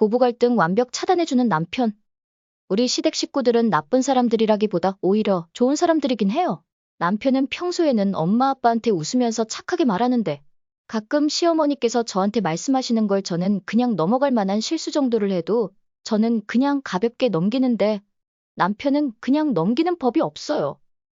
고부 갈등 완벽 차단해주는 남편. 우리 시댁 식구들은 나쁜 사람들이라기보다 오히려 좋은 사람들이긴 해요. 남편은 평소에는 엄마 아빠한테 웃으면서 착하게 말하는데 가끔 시어머니께서 저한테 말씀하시는 걸 저는 그냥 넘어갈 만한 실수 정도를 해도 저는 그냥 가볍게 넘기는데 남편은 그냥 넘기는 법이 없어요.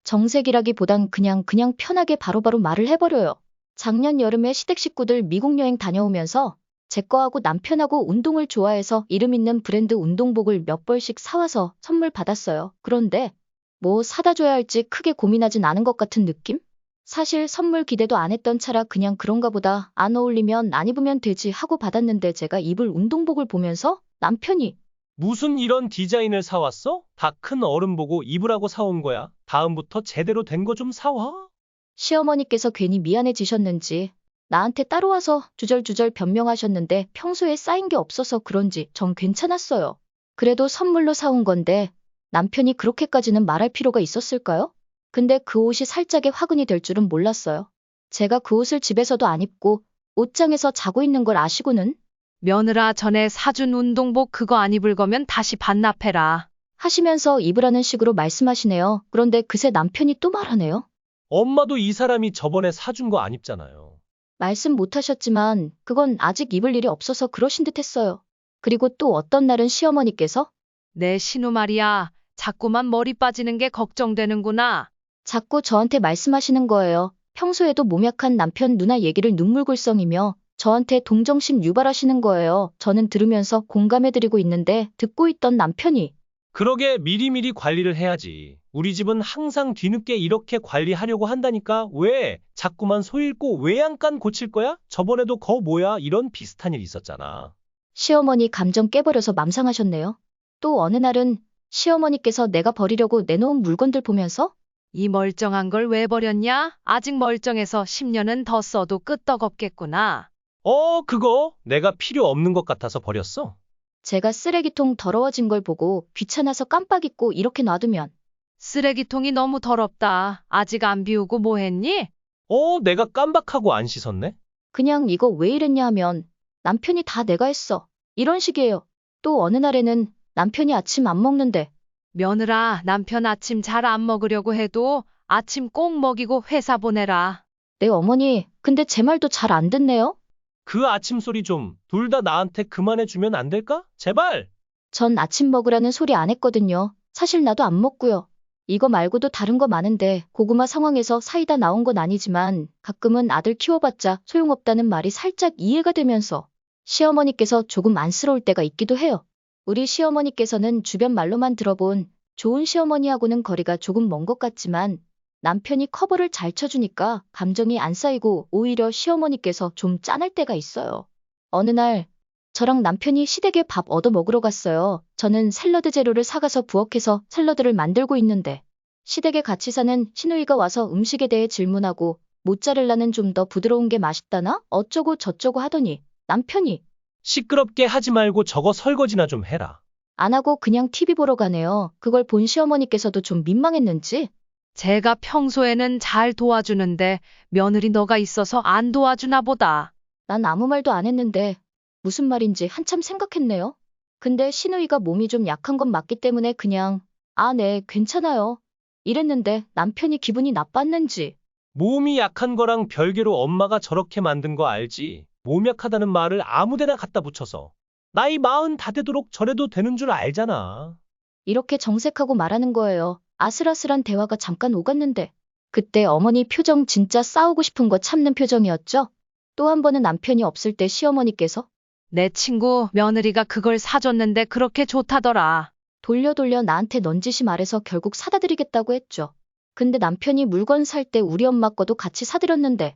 정색이라기보단 그냥 편하게 바로바로 말을 해버려요. 작년 여름에 시댁 식구들 미국 여행 다녀오면서 제 거하고 남편하고 운동을 좋아해서 이름 있는 브랜드 운동복을 몇 벌씩 사와서 선물 받았어요. 그런데 뭐 사다 줘야 할지 크게 고민하진 않은 것 같은 느낌? 사실 선물 기대도 안 했던 차라 그냥 그런가 보다 안 어울리면 안 입으면 되지 하고 받았는데 제가 입을 운동복을 보면서 남편이 무슨 이런 디자인을 사왔어? 다 큰 어른 보고 입으라고 사온 거야. 다음부터 제대로 된 거 좀 사와. 시어머니께서 괜히 미안해지셨는지 나한테 따로 와서 주절주절 변명하셨는데 평소에 쌓인 게 없어서 그런지 전 괜찮았어요. 그래도 선물로 사온 건데 남편이 그렇게까지는 말할 필요가 있었을까요? 근데 그 옷이 살짝의 화근이 될 줄은 몰랐어요. 제가 그 옷을 집에서도 안 입고 옷장에서 자고 있는 걸 아시고는 며느라 전에 사준 운동복 그거 안 입을 거면 다시 반납해라. 하시면서 입으라는 식으로 말씀하시네요. 그런데 그새 남편이 또 말하네요. 엄마도 이 사람이 저번에 사준 거 안 입잖아요. 말씀 못 하셨지만 그건 아직 입을 일이 없어서 그러신 듯 했어요. 그리고 또 어떤 날은 시어머니께서 내 신우 말이야. 자꾸만 머리 빠지는 게 걱정되는구나. 자꾸 저한테 말씀하시는 거예요. 평소에도 몸 약한 남편 누나 얘기를 눈물골썽이며 저한테 동정심 유발하시는 거예요. 저는 들으면서 공감해드리고 있는데 듣고 있던 남편이 그러게 미리미리 관리를 해야지. 우리 집은 항상 뒤늦게 이렇게 관리하려고 한다니까. 왜? 자꾸만 소 잃고 외양간 고칠 거야? 저번에도 거 뭐야? 이런 비슷한 일 있었잖아. 시어머니 감정 깨버려서 맘상하셨네요. 또 어느 날은 시어머니께서 내가 버리려고 내놓은 물건들 보면서 이 멀쩡한 걸 왜 버렸냐? 아직 멀쩡해서 10년은 더 써도 끄떡없겠구나. 그거 내가 필요 없는 것 같아서 버렸어. 제가 쓰레기통 더러워진 걸 보고 귀찮아서 깜빡 잊고 이렇게 놔두면 쓰레기통이 너무 더럽다. 아직 안 비우고 뭐 했니? 내가 깜박하고 안 씻었네? 그냥 이거 왜 이랬냐 하면 남편이 다 내가 했어. 이런 식이에요. 또 어느 날에는 남편이 아침 안 먹는데 며느라 남편 아침 잘 안 먹으려고 해도 아침 꼭 먹이고 회사 보내라. 내 어머니 근데 제 말도 잘 안 듣네요. 그 아침 소리 좀 둘 다 나한테 그만해 주면 안 될까? 제발! 전 아침 먹으라는 소리 안 했거든요. 사실 나도 안 먹고요. 이거 말고도 다른 거 많은데 고구마 상황에서 사이다 나온 건 아니지만 가끔은 아들 키워봤자 소용없다는 말이 살짝 이해가 되면서 시어머니께서 조금 안쓰러울 때가 있기도 해요. 우리 시어머니께서는 주변 말로만 들어본 좋은 시어머니하고는 거리가 조금 먼 것 같지만 남편이 커버를 잘 쳐주니까 감정이 안 쌓이고 오히려 시어머니께서 좀 짠할 때가 있어요. 어느 날 저랑 남편이 시댁에 밥 얻어 먹으러 갔어요. 저는 샐러드 재료를 사가서 부엌에서 샐러드를 만들고 있는데 시댁에 같이 사는 시누이가 와서 음식에 대해 질문하고 모짜렐라는 좀 더 부드러운 게 맛있다나? 어쩌고 저쩌고 하더니 남편이 시끄럽게 하지 말고 저거 설거지나 좀 해라. 안 하고 그냥 TV 보러 가네요. 그걸 본 시어머니께서도 좀 민망했는지 제가 평소에는 잘 도와주는데 며느리 너가 있어서 안 도와주나 보다. 난 아무 말도 안 했는데 무슨 말인지 한참 생각했네요. 근데 시누이가 몸이 좀 약한 건 맞기 때문에 그냥 아, 네, 괜찮아요. 이랬는데 남편이 기분이 나빴는지 몸이 약한 거랑 별개로 엄마가 저렇게 만든 거 알지? 몸 약하다는 말을 아무데나 갖다 붙여서. 나이 40 다 되도록 저래도 되는 줄 알잖아. 이렇게 정색하고 말하는 거예요. 아슬아슬한 대화가 잠깐 오갔는데 그때 어머니 표정 진짜 싸우고 싶은 거 참는 표정이었죠? 또 한 번은 남편이 없을 때 시어머니께서 내 친구 며느리가 그걸 사줬는데 그렇게 좋다더라. 돌려 나한테 넌지시 말해서 결국 사다 드리겠다고 했죠. 근데 남편이 물건 살 때 우리 엄마 거도 같이 사드렸는데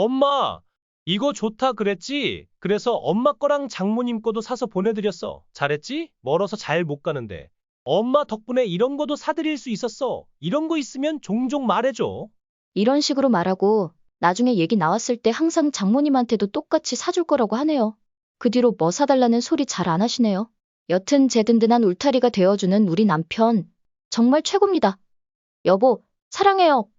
엄마, 이거 좋다 그랬지? 그래서 엄마 거랑 장모님 거도 사서 보내드렸어. 잘했지? 멀어서 잘 못 가는데. 엄마 덕분에 이런 거도 사드릴 수 있었어. 이런 거 있으면 종종 말해줘. 이런 식으로 말하고 나중에 얘기 나왔을 때 항상 장모님한테도 똑같이 사줄 거라고 하네요. 그 뒤로 뭐 사달라는 소리 잘 안 하시네요. 여튼 제 든든한 울타리가 되어주는 우리 남편 정말 최고입니다. 여보, 사랑해요.